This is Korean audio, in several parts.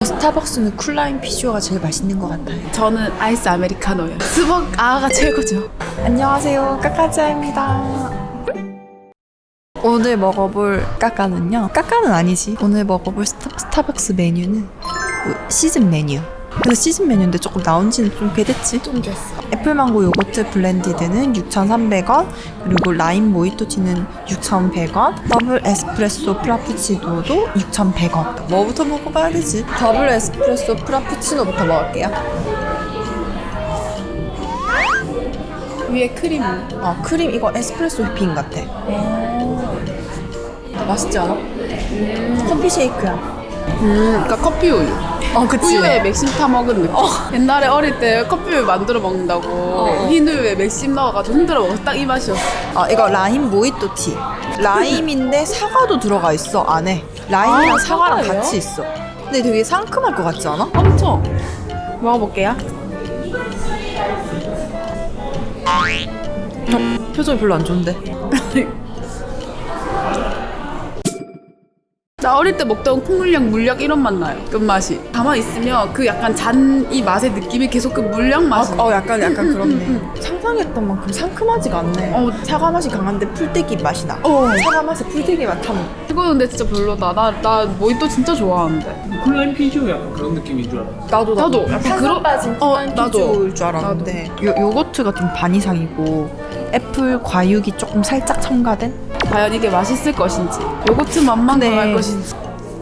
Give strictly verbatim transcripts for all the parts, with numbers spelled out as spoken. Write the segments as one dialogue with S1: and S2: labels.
S1: 스타벅스는 쿨라인 피규어가 제일 맛있는 것 같아요.
S2: 저는 아이스 아메리카노요. 스벅 아가 최고죠.
S1: 안녕하세요, 까까지아입니다. 오늘 먹어볼 까까는요, 까까는 아니지. 오늘 먹어볼 스타, 스타벅스 메뉴는 시즌 메뉴. 그래서 시즌 메뉴인데 조금 나온 지는 좀 꽤 됐지.
S2: 좀 됐어.
S1: 애플망고 요거트 블렌디드는 육천삼백 원, 그리고 라임 모히또티는 육천백 원, 더블 에스프레소 프라푸치노도 육천백 원. 뭐부터 먹어봐야 되지? 더블 에스프레소 프라푸치노부터 먹을게요.
S2: 위에 크림.
S1: 아, 크림 이거 에스프레소 휘핑 같아. 맛있지 않아? 음. 커피 쉐이크야.
S2: 음, 그러니까 커피 우유.
S1: 어, 그치.
S2: 우유에 맥심 타 먹은 느낌. 어. 옛날에 어릴 때 커피 우유 만들어 먹는다고
S1: 어.
S2: 흰 우유에 맥심 넣어가지고 흔들어 먹어. 딱 이 맛이었어.
S1: 아, 이거 라임 모히또티. 라임인데 사과도 들어가 있어, 안에. 라임이랑
S2: 아,
S1: 사과랑
S2: 사과예요?
S1: 같이 있어. 근데 되게 상큼할 것 같지 않아?
S2: 엄청. 먹어볼게요.
S1: 어, 표정이 별로 안 좋은데.
S2: 나 어릴 때 먹던 콩물약, 물약 이런 맛 나요. 끝맛이. 가만히 있으면 그 약간 잔 이 맛의 느낌이 계속 그 물약 맛이.
S1: 어, 약간 약간 그렇네. 상상했던 만큼 상큼하지가 않네.
S2: 어.
S1: 사과 맛이 강한데 풀떼기 맛이 나.
S2: 어.
S1: 사과 맛에 풀떼기 맛 탐.
S2: 이거 근데 진짜 별로다. 나, 나 모히또 진짜 좋아하는데.
S3: 쿨라인 피지오 약간 그런 느낌인 줄 알아.
S1: 나도
S2: 나도 약간 그런-
S1: 빠진
S2: 어,
S1: 쿨라인
S2: 나도.
S1: 피규어일 줄 알았는데 요, 요거트가 좀 반 이상이고 애플 과육이 조금 살짝 첨가된?
S2: 과연 이게 맛있을 것인지, 요거트 맛만
S1: 네.
S2: 강할 것인지.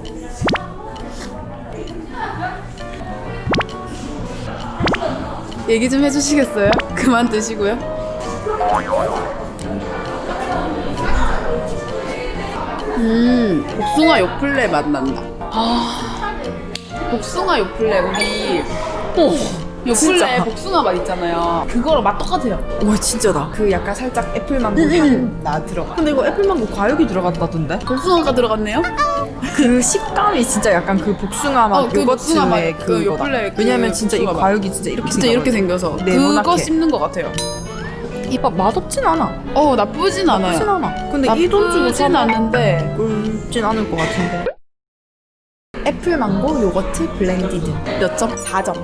S2: 얘기 좀 해주시겠어요? 그만 드시고요. 음, 복숭아 요플레 맛 난다. 아, 복숭아 요플레 우리 오 요플레
S1: 진짜.
S2: 복숭아 맛 있잖아요. 그거랑 맛 똑같아요.
S1: 와, 진짜다. 그 약간 살짝 애플망고
S2: 음,
S1: 향 나 들어가. 근데 이거 애플망고 과육이 들어갔다던데?
S2: 복숭아가 들어갔네요?
S1: 그 식감이 진짜 약간 그 복숭아 맛
S2: 어, 그 복숭아 맛,
S1: 요거트의
S2: 그
S1: 그거다.
S2: 요플레 그
S1: 왜냐면 진짜 이
S2: 복숭아 맛.
S1: 과육이 진짜 이렇게
S2: 진짜 이렇게 생겨서
S1: 네모나게.
S2: 그거 씹는 것 같아요.
S1: 이거 맛없진 않아.
S2: 어 나쁘진 않아요.
S1: 나쁘진 않아. 근데 이 돈 주고
S2: 나쁘진
S1: 사
S2: 않은데
S1: 꿀진 않을 것 같은데. 애플망고 요거트 블렌디드 몇 점? 사 점.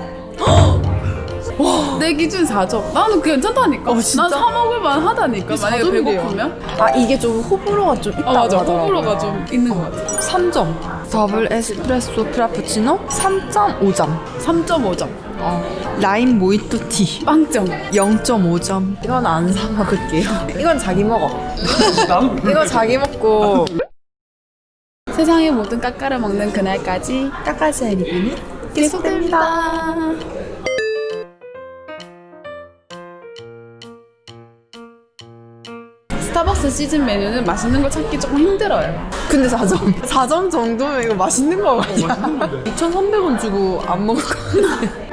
S2: 내 기준 사 점. 나는 괜찮다니까.
S1: 어, 진짜?
S2: 난 사 먹을 만하다니까.
S1: 사
S2: 만약에
S1: 점이래요.
S2: 배고프면.
S1: 아, 이게 좀 호불호가 좀 있다고
S2: 아 맞아.
S1: 하더라고요.
S2: 호불호가 좀 있는 것 같아.
S1: 삼 점. 더블 에스프레소 프라푸치노 삼 점 오 점.
S2: 삼 점 오 점.
S1: 어. 라임 모히또티
S2: 빵 점.
S1: 영 점 오 점. 이건 안 사 먹을게요. 이건 자기 먹어.
S3: 나도
S1: 이거 자기 먹고.
S2: 세상의 모든 까까를 먹는 그날까지
S1: 까까지의 리뷰는
S2: 계속됩니다. 스타벅스 시즌 메뉴는 맛있는 걸 찾기 조금 힘들어요.
S1: 근데 사 점. 사 점 정도면 이거 맛있는 거 같아. 이천삼백 원 주고 안 먹을 것 같아.